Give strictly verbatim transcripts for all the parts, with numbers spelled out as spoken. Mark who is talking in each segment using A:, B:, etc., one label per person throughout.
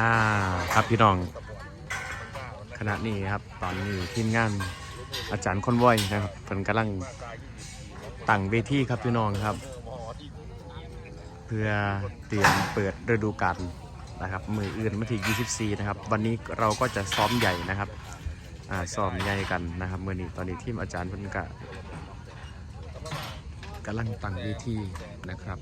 A: ครับพี่น้องขณะนี้ครับตอนนี้ทีมงานอาจารย์คอนวอยนะครับเพิ่นกำลังตั้งเวทีครับพี่น้องครับเพื่อเตรียมเปิดฤดูกาลนะครับมืออื่นวันที่ยี่สิบสี่นะครับวันนี้เราก็จะซ้อมใหญ่นะครับอ่าซ้อมใหญ่กันนะครับมื้อนี้ตอนนี้ทีมอาจารย์เพิ่นก็กำลังตั้งเวทีนะครับ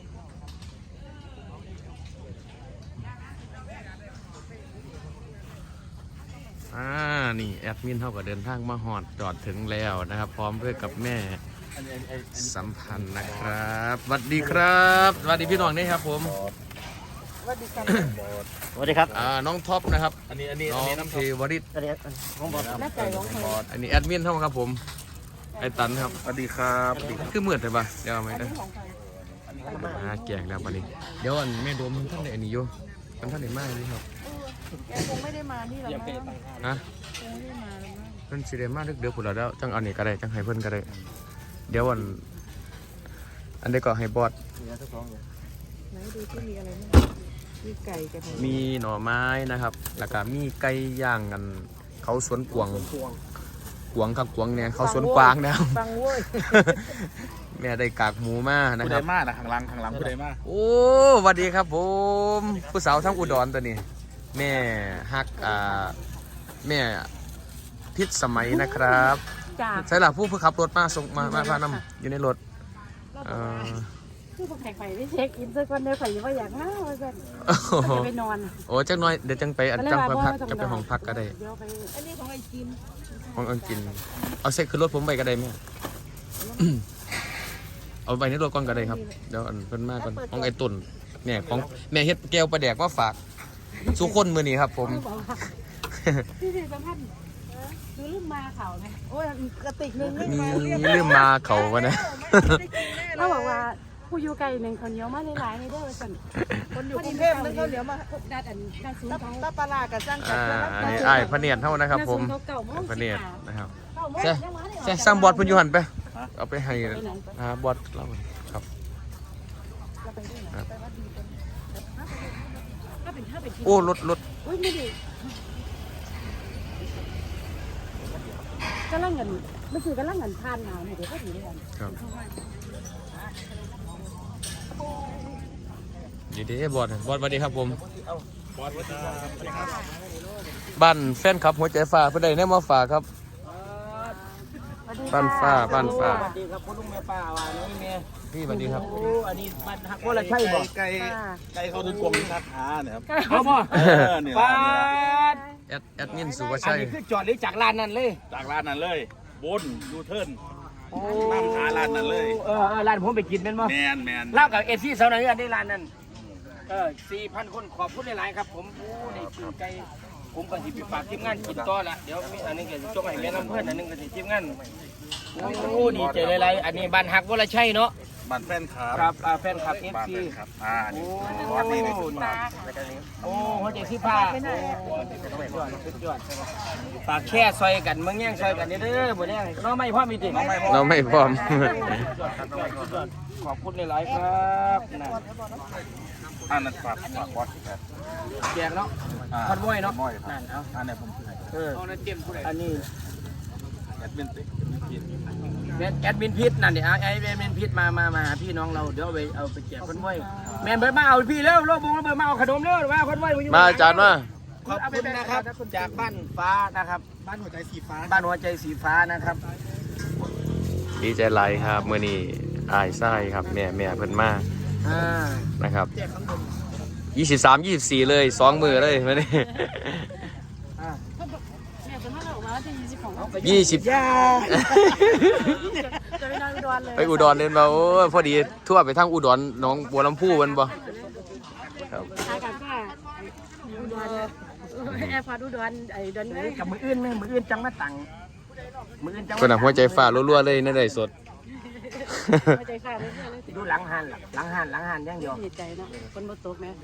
A: อ่านี่แอดมินเขาก็เดินทางมาหอดจอดถึงแล้วนะครับพร้อมด้วยกับแม่สัมพันธ์นะครับสวัสดีครับสวัสดีพี่น้องนี่ครับผม
B: สวัสดีครับสวัสดีครับ
A: อ่าน้องท็อปนะครับ
B: อันนี้อันนี้
A: น้องเทวริศ
B: อันนี้ของบอส
C: แม่ไก่ของบอส
A: อันนี้แอดมินเท่าครับผมไอตันครับ
B: สวัสดีครับ
A: คือเหมือนเลยปะเดี๋ยวเอาไหมนะอ่าแกงแล้วปะนี่เดี๋ยวอันแม่โดมท่านไหนอันนี้โยท่านท่านไหนมากเลยครับ
C: แกคงไม่ได้มาที่เรา
A: ฮะ
C: คงไม่ได้มาแล้วมั้ง
A: เพิ่นสิได้มาเดี๋ยวผุดแล้วจังอันนี้ก็ได้จังให้เพิ่นก็ได้เดี๋ยวอันอันนี้ก็ให้บอส
C: ไหนดูที่มีอะไรบ้างมีไก่กับ
A: มีหน่อไม้นะครับแล้วก็มีไก่ย่างกันเขาสวนกวางกวางครับกวางเนี่ยเขาสวนกวางแล้ว
C: ฟังเว้ย
A: แม่ได้กากหมูมานะ
B: ผู้
A: ค
B: ใด
A: รับ
B: มานะข้างหลังข้างหลังผู้ใดมา
A: โอ้สวัสดีครับผมผู้สาวทั้งอุดรตัวนี้แม่ฮักอ่าแม่พิษสมัยนะครับใช่หรอผู้ผู้ขับรถมาส่งมามาพานำอยู่ในรถ
C: คือพวกไข่ไข่ได้เช็คอินสักวันเดียวไข่ยังว่าอยากมาว่าจะไปนอน
A: โอ้จังน้อยเดี๋ยวจังไปอันจังไปพักจะไปห้องพักก็ได้
C: เดี๋ยวไปอันนี้ของไอ้กิน
A: ของไอ้กินเอาเซ็ตขึ้นรถผมไปก็ได้ไหมเอาไปในรถก่อนก็ได้ครับเดี๋ยวอันเพิ่นมาก่อนของไอ้ตุ่นเนี่ยของแม่เฮ็ดแก้วปลาแดกมาฝากสุคนมือนี้ครับผม
C: พี่สิสัมพันธ์ดูลืมมาเขาไหมโอ้ยกระติกนึง
A: มีลืมมาเขาวะนะ
C: เขาบอกว่าผู้อยู่ไกลหนึ่งคนเหนียวมาหลายๆในเด้อสันคนอยู่กรุงเทพนึงเขาเหนียวมาดัดอันดัดสูงเขาตาปลากับสร้าง
A: อ่าอันนี้ไอ้พเนียนเท่านะครับผมพเนียนนะครับแซ่แซ่สร้างบอดเพิ่นอยู่หันไปเอาไปให้อ่าบอดเราครับโอ้รถรถ
C: อุ้ยไม่ดีก็ล่างเงินไม่คือก็ล่างเงินทานหนาวเนี่ยเดี๋ยวก็ถือได้กัน
A: ครับดีดีบอดบอดสวัสดีครับผม
B: บอสสวัสดีครับ
A: บ้านแฟนครับหัวใจฟ้าเพื่อนใดแน่มาฝากครับบ้านฟ้าบ้านฟ้า
B: สวัสดีครับพ่อลุงแม่ป้าว่าน้องแม่
A: พี่สวัสดีครับ
B: โอ้อันนี้บ้านฮักว่าอะไรใช่บ่ไก่ไก่เขาถึงกลมทักหาเนี่ยครับ
C: เอาบ่
B: ป้า
A: แอดแอดมินสุภาชัย
B: คือจอดหรือจากร้านนั้นเลยจากร้านนั้นเลยบนยูเทิร์นนั่งหาร้านนั้นเลยเออร้านผมไปกินแม่นบ่แมนแมนเล่ากับเอซี่เสาหน่อยอันนี้ร้านนั้นเออสี่พันคนขอบคุณหลายๆครับผมโอ้ในชื่อไก่ผมก็สิไปฝากทีมงานกินต่อละเดี๋ยวมีอันนึงก็จะจงให้แม่น้ำเพื่อนอันนึงก็สิทีมงานโอ้ดีใจหลายๆอันนี้บ้านฮักวรชัยเนาะ
D: บ้านแฟนครับ
B: ครับแฟนคลับเอฟซี
D: ครับอ่านี่
B: วันนี้ในสุดมาโอ้หัวใจที่ผ้าปากแค่ซอยกันเมืองแย่งซอยกันเด้อบ่แย่งน้องไม่พ่อมีติ
A: เราไม่พร้อม
B: ขอบคุณหลายๆครับ
D: อันนั้นฝากฝากวัดครับ
B: แจกเนาะคอนวอยเนาะนั่นเอา
D: อันนี้ผม
B: เอออันนี้
D: แอดมินติ
B: แอดมินพิษนั่นดิไอแอดมินพิษมามามาหาพี่น้องเราเดี๋ยวเอาไปเอาไปแจกคอนวอยแมนเบิร์ดมาเอาพี่เร็วโลกบงแล้วเบิร์ดมาเอาขนมเร็วว่าคอนวอย
A: มาอาจารย์มา
B: ขอบคุณนะครับจากบ้านฟ้านะครับ
D: บ้านหัวใจสีฟ้า
B: บ้านหัวใจสีฟ้านะครับ
A: ดีใจไรครับเมื่อนี้อายไส้ครับแม่แม่เพิ่นมานะครับยี่สิบสามยี่สิบสี่เลยสองมือเลยไม่ได้ยี่สิบ
C: จะไปนอนอุดรเลย
A: ไปอุดรเลยมาโอ้พอดีทั่วไปทางอุดรน้องบัวลำพูมันบ่
C: ครับทางกันก็อุดรแอร์พอร์ตอุดรไอ้ดอน
B: กับมืออื่นมืออื่นจังมาตัง
A: มืออื่นจังคนหัวใจฟ้ารัวๆเลยนั่นได้สด
C: หัวใจฟ้าเลย
B: ดูหลังหันหลังหันหลังหันยังเดียว
C: ดีใจเนาะคนบ่ตกแม่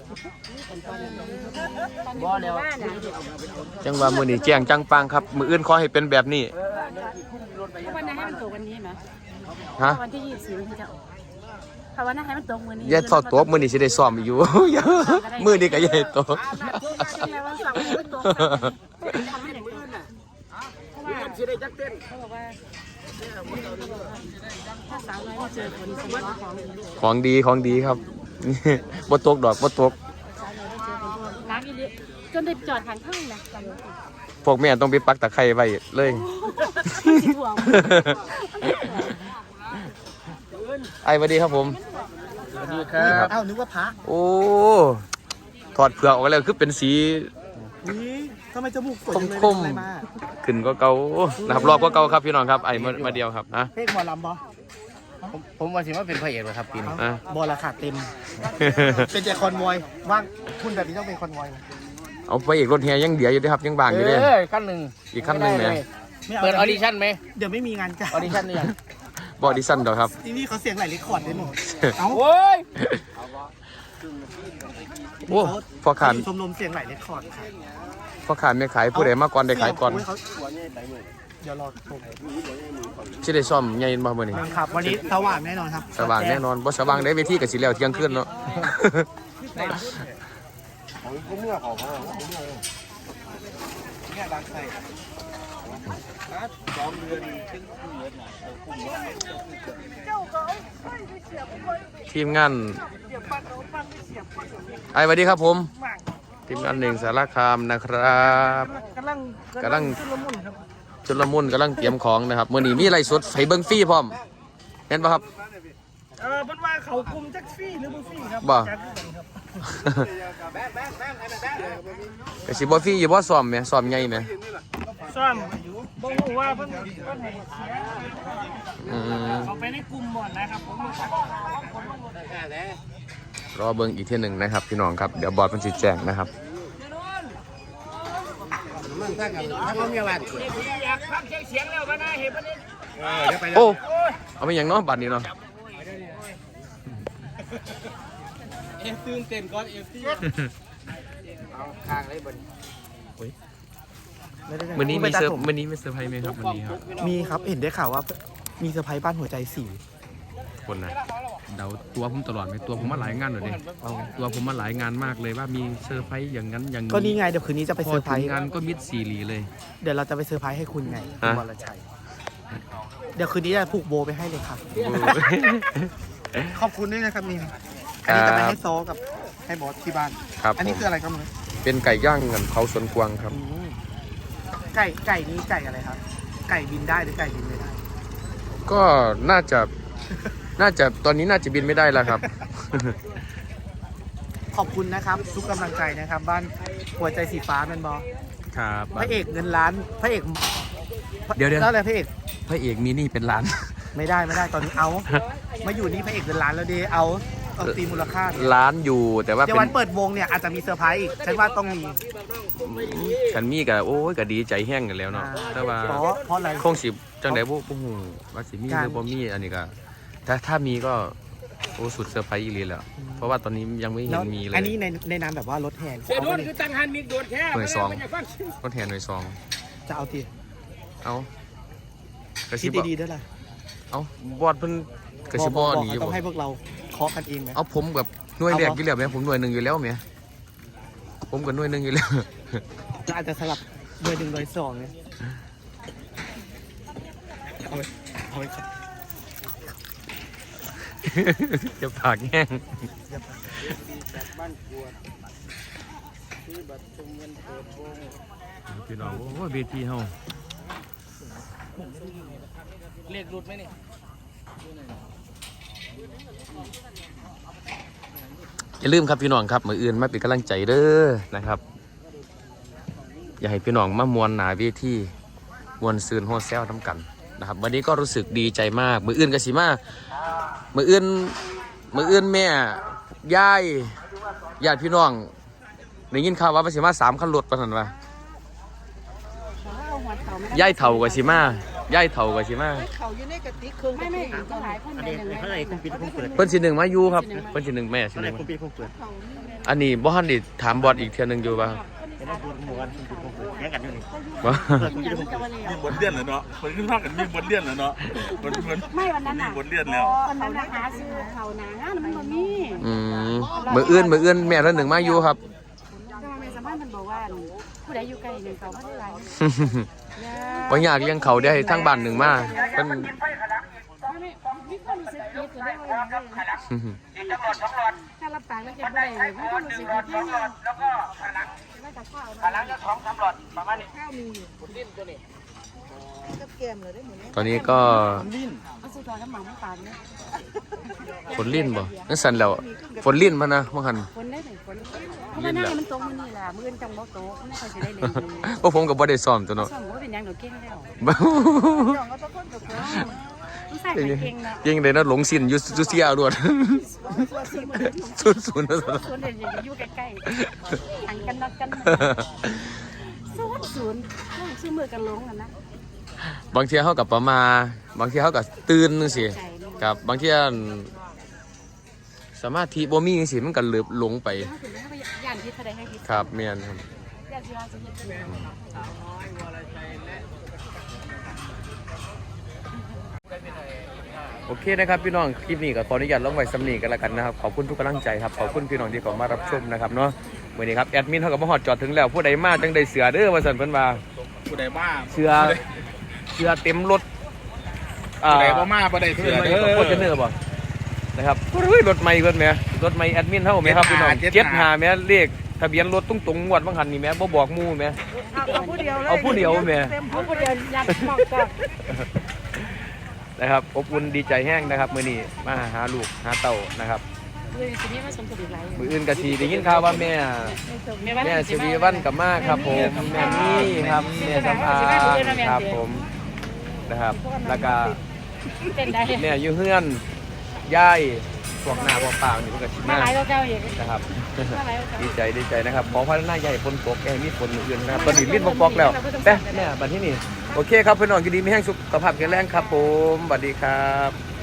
B: บ่แล้ว
A: จังว่ามือนี้แจ้งจังปังครับมืออื่นขอให้เป็นแบบนี้
C: วันไหนให้มันตกวันนี้ไหม
A: ฮะ
C: วันที่ยี่สิบสี่ที่จะออกภาวนาให้มันตกมือนี้
A: อย่าทอดตัวมื้อนี้สิได้ซ้อมอยู่ มื้อนี้ก็อย่าให้ตก
C: ยังไงวันเสาร์ไม่ตกทำให้เด็กตื่นอ่ะเพราะว่า
B: สิได้จักเต้น
C: เขาบอกว่าถ้าสาวน้อยไม่เจอคนสมองของ
A: ของดีของดีครับ บ่ตกดอกบ่ตก
C: สาวน้อยไม่เจอคนน้ำอีลิจนได้จอดทางข้างนะจำไม่ได้
A: พวกแม่ต้องไปปักตะไคร้ไว้เลย
C: สิห่วง
A: ไอ้สวัสดีครับผม
B: สวัสดีครับ
E: เอ้านึกว่าพระ
A: โอ้ถอดเปลือกออกแล้วคือเป็นสี
E: นี่ทำไมจมูกสวย
A: ค
E: จั
A: ม
E: งเลย
A: คม
E: อะไรมา
A: ขึ้นก็เก่านะครับรอบก็เก่าครับพี่น้องครับไอ้มามาเดียวครับนะ
E: เพลงหมอลำบอ
B: ผมผมว่าสิว่าเป็นพระเอกเหรอครับปีนี้
A: อ่ะ
E: บอละขาดเต็ม เป็นแต่คอนวอยว่างคุณแบบนี้ต้องเป็นคอนวอยไหม
A: เอาไปอีกรถแฮยังเดียวอยู่เด้อครับยังบางอยู่เด้อ
B: เออขั้นหนึ่ง
A: อีกขั้นหนึ่งเนี่ย
E: ไม่เอา
B: เปิดออดิชั่นไหม
E: เดี๋ยวไม่มีงานจ้า
B: ออดิชั่นเนี่ย
A: บอดิสันดอกครับ
E: ที่นี่เขาเสียงไหลเรคคอร์ดด้วยหนูเอ้า
B: โอ้ย
A: โอ้พ่อขาน
E: ชมรมเสียงไหลเรคคอร์ดค่ะ
A: พ่อขานไม่ขายผู้ใดมาก่อนได้ขายก่อน
E: โเขาเดี๋ยวรอชม
A: สิได้ซ่อมใหญ่มามื้อนี้
E: ครับ วันนี้สว่างแน่นอนครับ
A: สว่างแน่นอนบ่สว่างได้เวทีก็สิแล้วเที่ยงคืนเนาะ
E: เนี่ยดังใส่
A: ทีมงานไอ้สวัสดีครับผมทีมงานหนึ่งสารคามนะครับ
E: กำลัง
A: กำลัง
E: ชุลมุนครับ
A: ชุลมุนกำลังเตรียมของนะครับมื้อนี้มีไลฟ์สดไฟเบิ่งฟรีพร้อมเห็นป่ะครับ
E: เออเป็นว่าเขาคุมแท็กซี่หรือบุฟฟี่ครับ
A: บ่
E: แจ็คคือกันครับ
A: ก็สิบ่ฟรีอยู่บ่ซ้อมแหมซ้อมใหญ่แหม
E: ซ่อมบ่รู้ว่าเพิ่นเพิ่นให้เสีย
A: อืม
E: เขาไปในกลุ่มหมดนะครับผมรู้จัก
A: รอเบิ่งอีกเที่ยหนึงนะครับพี่น้องครับเดี๋ยวบอร์ดมันสิแจ้งนะครับ
B: ถ้าเขามีอะไรอยากฟังเสียงแล้วมาหน้าเห็นปะเนี่ย
A: โอ้เอาไปหยังเนาะบัดนี้เนาะ
E: เอฟตื่นเต้นก่อนเอฟซี
B: เอาข้างเลยบน
A: มื้อนี้มีเซอร์มื้อนี้มีเซอร์ไพรส์มั้ยครับวันนี้ครับ
E: มีครับเห็นได้ข่าวว่ามีเซอร์ไพรส์บ้านหัวใจสี่
A: คนน่ะเดาตัวผมตลอดไหมตัวผมมาหลายงานเลยดิตัวผมมาหลายงานมากเลยว่ามีเซอร์ไพรส์อย่างนั้นอย่างนี้
E: ก็นี่ไงเดี๋ยวคืนนี้จะไป
A: พ
E: เซ
A: อ
E: อร์ไพร
A: ถึง
E: ส์
A: งานก็มิดซีรีเลย
E: เดี๋ยวเราจะไปเซอร์ไพรส์ให้คุณไงคุณ
A: ฮะ
E: วรชัยเดี๋ยวคืนนี้จะผูกโบไปให้เลยครับ ขอบคุณด้วยนะครับนี่อันนี้จะไปให้โซกับให้บอสที่บ้าน
A: ครับ
E: อันนี้
A: ผม
E: คืออะไรครับมึง
A: เป็นไก่ย่างเงินเผาสวนกวางครับ
E: ไก่ไก่นี้ไก่อะไรครับ ไก่บินได้หรือไก่บินไม่ได้
A: ก็น่าจะน่าจะตอนนี้น่าจะบินไม่ได้แล้วครับ
E: ขอบคุณนะครับ ทุกกำลังใจนะครับ บ้านหัวใจสีฟ้าเป็นบอ
A: ครับ
E: พระเอกเงินล้านพระเอก
A: เดี๋ยวเดี๋ยว
E: แล้วอะไรพระเอก
A: พระเอกมีหนี่เป็นล้าน
E: ไม่ได้ไม่ได้ตอนนี้เอา มาอยู่นี่พระเอกเงินล้านแล้วดีเอาเอาตีมูลค่าเนี่ย
A: ล้านอยู่แต่ว่า
E: เดี๋ยว
A: เป็
E: วัน นเปิดวงเนี่ยอาจจะมีเซอร์ไพรส์อีกฉันว่าต้องมี
A: กันมีกับโอ้ยก็ดีใจแห้งกันแล้วเนาะแต่ว่า
E: เพราะเพราะอะไร
A: คงสิจังไดบ่บ่ฮู้ว่าสิมีหรือบ่มีอันนี้ก็ถ้าถ้ามีก็โอ้สุดเซอร์ไพรส์อีหลีแหล้วเพราะว่าตอนนี้ยังไม่เห็
E: แล้ว
A: นมีเลย
E: อันนี้ในในนามแบบว่ารถแห่
B: เสียโดนคือตั้งหันมีโดนแค่
A: หน่วยสอง
B: มันจะฟัง
A: รถแทนหน่วยซอง
E: จะเอาที
A: เอากระ
E: คิ
A: สิ
E: ด
A: บ
E: ดีๆด้วยล่ะ
A: เอาบอดเพิ่นกระสิบบ่หนี
E: บอก
A: บ่
E: ต้องให้พวกเราเคาะกันเองไหม
A: เอาผมกับหน่วย
E: เอา
A: แรก
E: บ่
A: อยู่แล้วแหม่ผมหน่วยหนึงอยู่แล้วแหม่ผมกับหน่วยหนึงอยู่แล้ว
E: เราอาจจะสลับเบอร์หนึ่งเบอร์สองเนี่ยเอาไปเอาไปครับ
A: จะปากแห้ง
B: บ้านกวดที่บัตรชมเงินเปิดวง
A: พี่น้องโอ้เวทีเฮา
B: เรียกรุดไหมนี่
A: อย่าลืมครับพี่น้องครับมื้ออื่นมาเป็นกำลังใจเด้อนะครับ อยากให้พี่น้องมามวนหน้าเวทีมวนซืนโฮเซลนํกันนะครับวันนี้ก็รู้สึกดีใจมากมื้ออื่นก็สิมามื้ออื่นมื้ออื่นแม่ยายญาติพี่น้องได้ยินข่าวว่าสิมาสามคันรถปานนั้นว่า ย่ายเถ่ากับชิมาย่ายเถ่ากับชิมา
C: เขาอยู่ในกระติกเครื่องไม่ไม่ก็หลายคนในหนึ่ง
E: เท่าไหร่คุณปิดคุณเปิด
A: เพิ่นสิหนึ่งมาอยู่ครับเพิ่นสิหนึ่งแม่สิ
E: เท่า
A: ห
E: ไหร่
A: นึ่ง
E: คุณปิดคุณเปิด
A: อันนี้บ่ทันได้ถามบอสอีกเทื่อหนึงอยู่ว่า
E: เจะมาพูดหมู่กันพูดหมู่แข่งกันอยู่นี่
A: ว้า
D: มีบทเรียนแล้วเนาะคนขึ้นภาคกันมีบทเรียนแล้วเนาะมันมัน
C: ไม่วันนั้น
D: มี
C: น่ะ
D: บทเรียนแล้ว
C: วันนั้นนะหาซื้อเขาหนางานมันบ่มี
A: อืมมืออื่นมืออื่นแม่ท่านหนึ่งมาอยู่ครับ
C: แต่ว่าแม่สามารถมันบอกว่าผู้ใดอยู่ไกลหนึ่งเขาไม่ได้ไร
A: บางอย่างยังเขาได้ทั้งบ้านหนึ่งมาเป็น
C: ไม่ไม่มีความรู้สึกผิดจะได้ว่าอย่างไรถ้ารับปากแล้วจะไม่ได้เลยมีความรู้สึกผิดที่นี่แล้วก็ขาหลังไม่แต่ข้าวขาหลังจะท้องสำรวจประมาณนี้ข้าวมีอยู่ผลดิ้นตัวนี้กับเกมเลยได้หมด
A: ตอนนี้ก็
C: เอาสุดท้ายน้ำหมันไม่ปานเนี่ย
A: ฝนลิ้นบ่นั่นสั่นแล้วฝนลิ้นมานะมื่อหัน
C: ฝนได้ไหมฝนเพราะว่าหน้ามันตรงมือนี่แหละมือจังบ่โตไม่ค่อยจะได้เลย
A: พวกผมกับบ่ได้ซ้อมตัวเนาะ
C: สมมติว่าเป็นยังเดี๋ยวเก่งแล้ว
A: บ้า
C: ต้องใส่ไข่เก่งนะ
A: ยังเลยนะหลงสินอยู่จุเสียรวดศูนย์ศูนย์นะ
C: ศูนย์เดี๋ยวจะอยู่ใกล้ๆหันกันนักกันศูนย์ศูนย์ต้องชื่อมือกันลงกันนะ
A: บางเที่ยเขากับประมาบางเที่ยเขากับตื่นนึงสิกับบางเที่ยสามารถที่บ่มีจังซี่มันก็เลือบหลงไป
C: ถ้าถึงถ้าย่านพิษแสดงให้พิษ
A: ครับแม่นครับ
C: ย่านที่ว่าจะเห็น
A: โอเคนะครับพี่น้องคลิปนี้ก็ขออนุญาตลงไว้สำนีกันแล้วกันนะครับขอบคุณทุกกำลังใจครับขอบคุณพี่น้องที่เข้ามารับชมนะครับเนาะวันนี้ครับแอดมินเขาก็มาฮอดจอดถึงแล้วผู้ใดมาจังได้เสือเด้อว่าซั่นเพิ่นว่า
D: ผู้ใดมา
A: เสือเสือเต็มรถ
D: ผู้ใดบ่มาบ่ได้
A: เสื
D: เสื
A: อ
D: อ
A: เด้
D: เด้
A: อ
D: อ
A: โคตรเนื้อบ่นะครับอุ้ยรถใหม่เพิ่นแหมรถใหม่แอดมินเฮาแหมครับพี่น้องเจ็ดห้าแหมเลขทะเบียนรถตุ้งๆงวดบางหันนี่แหมบ่บอกหมู่แหม
C: เอาผู้เดียวเลย
A: เอาผู้เดียวแหม
C: เอาผู้เดียวยัดมองก่อน
A: นะครับอบอุ่นดีใจแห้งนะครับมื้อนี้มาหาลูกหาเต้านะครับ
C: เลยสินี้มาสมทบอีกหลาย
A: มื้ออื่นก็สิได้ยินข่าวว่าแม่แม่สิริวัลกับมาครับผมแม่นี่ครับแม่สำอางครับผมนะครับแล้วก็
C: เป็นได้
A: แม่อยู่เฮือนยายพวกหน้าพวกปากนี่เพิ่นก็สิ
C: มา
A: มา
C: หลายกว่าเก่าอีก
A: นะครับ
C: มาหลายกว่าเก่า
A: ดีใจดีใจนะครับขอพัฒนาใหญ่ฝนตกแอร์มีฝนอื่นนะครับตอนนี้ลิ้นบกๆแล้วแต่แม่บัดที่นี่โอเคครับพี่น้องยินดีมีแห้งสุขภาพแข็งแรงครับผมสวัสดีครับ